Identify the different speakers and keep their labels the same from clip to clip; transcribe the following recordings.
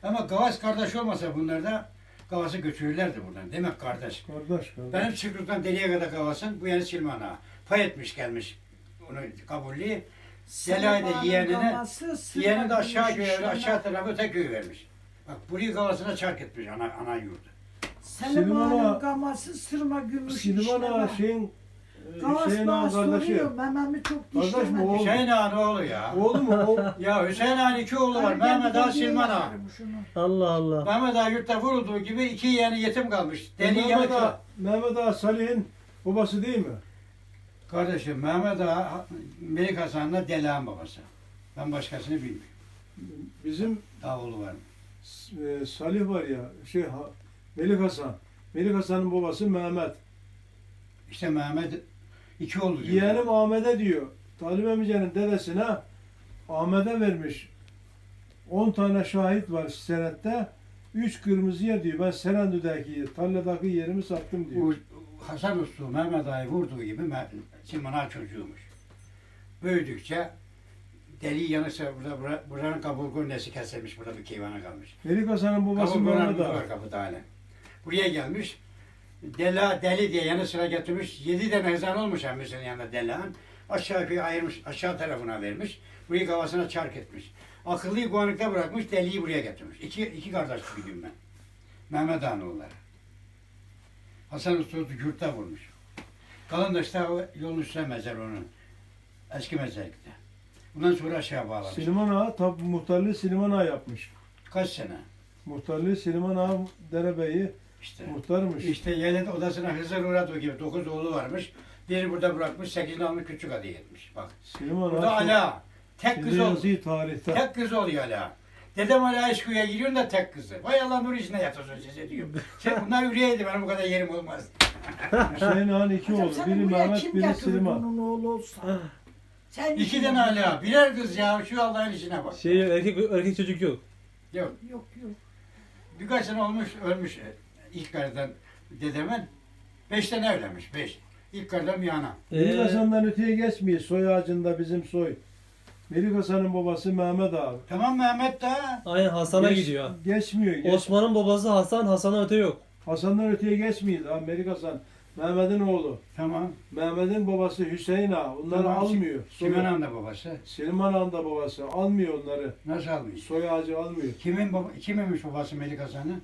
Speaker 1: Ama Gavas kardeş olmasa bunlarda Gavas'ı götürürlerdi buradan. Demek kardeş.
Speaker 2: Kardeş.
Speaker 1: Benim Çıkrık'tan deliye kadar Gavas'ın bu yani Silman'a. Pay etmiş gelmiş onu kabullü. Zelay da yeğeni de aşağı köye, aşağı tarafa öte köy vermiş. Bak burayı Gavas'ına çark etmiş ana yurdu.
Speaker 3: Selim Ağa'nın gaması sırma gümüş
Speaker 2: Silvan Ağa şeyin Hüseyin Ağa'nın kardeşi.
Speaker 3: Mememi çok
Speaker 2: Kardeş mi
Speaker 3: dişlemedi.
Speaker 2: oğlum?
Speaker 1: Hüseyin Ağa'nın oğlu ya.
Speaker 2: Oğlu mu o?
Speaker 1: Ya Hüseyin Ağa'nın iki oğlu var. Mehmet Ağa, Silman Ağa.
Speaker 4: Allah Allah.
Speaker 1: Mehmet Ağa yurtta vurulduğu gibi iki yeğeni yetim kalmış. Deli yanıkla.
Speaker 2: Mehmet Ağa Salih'in babası değil mi?
Speaker 1: Kardeşim Mehmet Ağa Melik Hasan'la Deli Ağa'nın babası. Ben başkasını bilmiyorum.
Speaker 2: Bizim
Speaker 1: Daha oğlu var mı?
Speaker 2: Salih var ya, Melik Hasan. Melik Hasan'ın babası Mehmet.
Speaker 1: İşte Mehmet iki oğlu diyor.
Speaker 2: Yeğenim Ahmet'e diyor. Talip amcanın dedesine Ahmet'e vermiş. 10 tane şahit var senette. 3 kırmızı yer diyor. Ben Serendü'deki tarladaki yerimi sattım diyor.
Speaker 1: Bu Hasan Usta Mehmet Ağa'yı vurduğu gibi Silman Ağa çocuğuymuş. Büyüdükçe deli yanırsa buranın kaburgun nesi kesilmiş, burada bir keyvana kalmış.
Speaker 2: Melik Hasan'ın babası Mehmet Ağa.
Speaker 1: var kapıda hala. Buraya gelmiş. Deli diye yanı sıra getirmiş. 7 tane hızan olmuş emmesinin yanında Dela'nın. Aşağı yukarı ayırmış, aşağı tarafına vermiş. Burayı kafasına çark etmiş. Akıllıyı Guanık'ta bırakmış, deliyi buraya getirmiş. İki kardeş gibiyim ben. Mehmet Ağa'nın oğulları. Hasan Usta yurtta vurmuş. Kalan da işte o yolun üstüne mezar onun. Eski mezarlıkta. Bundan sonra aşağı bağlamış.
Speaker 2: Silman Ağa tabi muhtarlığı Silman Ağa yapmış.
Speaker 1: Kaç sene?
Speaker 2: Muhtarlığı Silman Ağa derebeyi
Speaker 1: İşte.
Speaker 2: muhtarmış.
Speaker 1: İşte yeğenin odasına Hızır Uğradığı gibi 9 oğlu varmış. Biri burada bırakmış, 8'ini almış küçük adı yetmiş. Bak.
Speaker 2: Silman
Speaker 1: Burada
Speaker 2: Ağa
Speaker 1: Ala. Tek kız oldu.
Speaker 2: yazıyı tarihte.
Speaker 1: Tek kız oluyor Ala. Dedem Ala eşkıya giriyor da tek kızı. Vay Allah nur içine yatırsın size diyor. Sen bunlar üreyeydi benim bu kadar yerim olmaz.
Speaker 2: Hüseyin Ağa'nın iki oğlu. Biri Mehmet, biri Silman.
Speaker 3: Onun oğlu olsa. Sen
Speaker 1: İki tane Ala. Birer kız ya. Şu Allah'ın işine bak.
Speaker 4: Şey erkek çocuk yok.
Speaker 1: Yok.
Speaker 3: Yok yok.
Speaker 1: Birkaç sene olmuş ölmüş ilk karıdan dedemin. 5 tane evlenmiş. 5. İlk karıdan bir ana.
Speaker 2: Melik Hasan'dan öteye geçmiyor. Soy ağacında bizim soy. Melik Hasan'ın babası Mehmet Ağa.
Speaker 1: Tamam Mehmet de.
Speaker 4: Aynen Hasan'a
Speaker 2: Geç-
Speaker 4: gidiyor.
Speaker 2: Geçmiyor.
Speaker 4: Osman'ın babası Hasan, Hasan'a öte yok.
Speaker 2: Hasan'dan öteye geçmiyor. Ha, Melik Hasan. Mehmet'in oğlu.
Speaker 1: Tamam.
Speaker 2: Mehmet'in babası Hüseyin Ağa. Onları
Speaker 1: Tamam.
Speaker 2: almıyor.
Speaker 1: Kimin anda babası?
Speaker 2: Silman Ağa'nın da babası. Almıyor onları.
Speaker 1: Nasıl almış?
Speaker 2: Soy ağacı almıyor.
Speaker 1: Kiminmiş babası Melik Hasan'ın?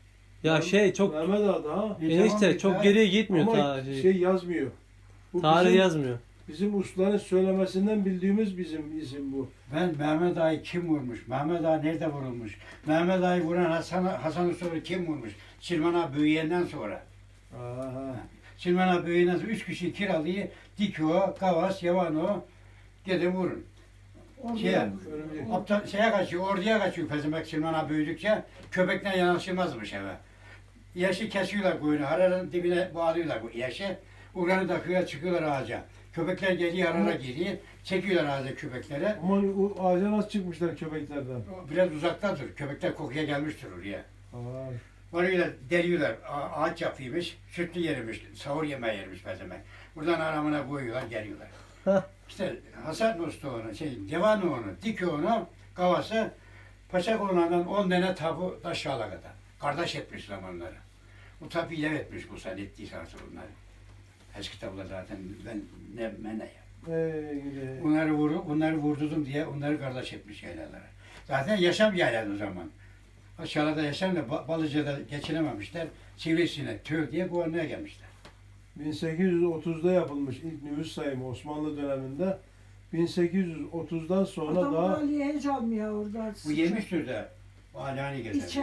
Speaker 4: Ya şey çok
Speaker 2: Mehmet Ağa da ha.
Speaker 4: enişte çok geriye gitmiyor
Speaker 2: Ama
Speaker 4: ta
Speaker 2: şey yazmıyor. Bu
Speaker 4: tarih
Speaker 2: bizim,
Speaker 4: yazmıyor.
Speaker 2: bizim ustaların söylemesinden bildiğimiz bizim isim bu.
Speaker 1: Ben Mehmet Ağa'yı kim vurmuş? Mehmet Ağa nerede vurulmuş? Mehmet Ağa'yı vuran Hasan Usta'yı kim vurmuş? Silman Ağa büyüyenden sonra.
Speaker 2: Aha.
Speaker 1: Silman Ağa büyüyenden sonra 3 kişi kiralıyı Dikyo, Kavas, Yavano gidin vurun. Şey,
Speaker 2: Örümcek.
Speaker 1: aptal şeye kaçıyor, orduya kaçıyor Pezemek Silman Ağa büyüdükçe köpekten yanaşılmazmış eve. Yaşı kesiyorlar koyunu, hararanın dibine bağlıyorlar bu yaşı. Uğranı da kıyıya çıkıyorlar ağaca. Köpekler geliyor, harara geliyor. Çekiyorlar ağaca köpekleri.
Speaker 2: Ama o ağaca nasıl çıkmışlar köpeklerden?
Speaker 1: Biraz uzaktadır. Köpekler kokuya gelmiştir oraya.
Speaker 2: Aa,
Speaker 1: Varıyorlar, deliyorlar. Ağaç yapıymış, sütlü yermiş, sahur yemeği yermiş Pezemek. Buradan aramına koyuyorlar, geliyorlar. İşte Hasan Usta onu, Cevan onu, Dikyo onu, Kavası, Paşa Konuğu'ndan 10 tane tabu aşağıla kadar. Kardeş etmişler onları. Bu tabi ilave etmiş bu sen ettiyse artık bunları. Eski tabular zaten ben ne ya.
Speaker 2: gidi.
Speaker 1: Bunları vurdurdum diye onları kardeş etmiş yaylalara. Zaten yaşam yayladı o zaman. Aşağıda yaşam da Balıca'da geçinememişler. Sivrisinek, Tüy diye Guarna'ya gelmişler.
Speaker 2: 1830'da yapılmış ilk nüfus sayımı Osmanlı döneminde. 1830'dan sonra
Speaker 3: Adam
Speaker 2: daha
Speaker 3: Ali'ye hiç almıyor orada.
Speaker 1: Bu yemiştir de o alani gezer.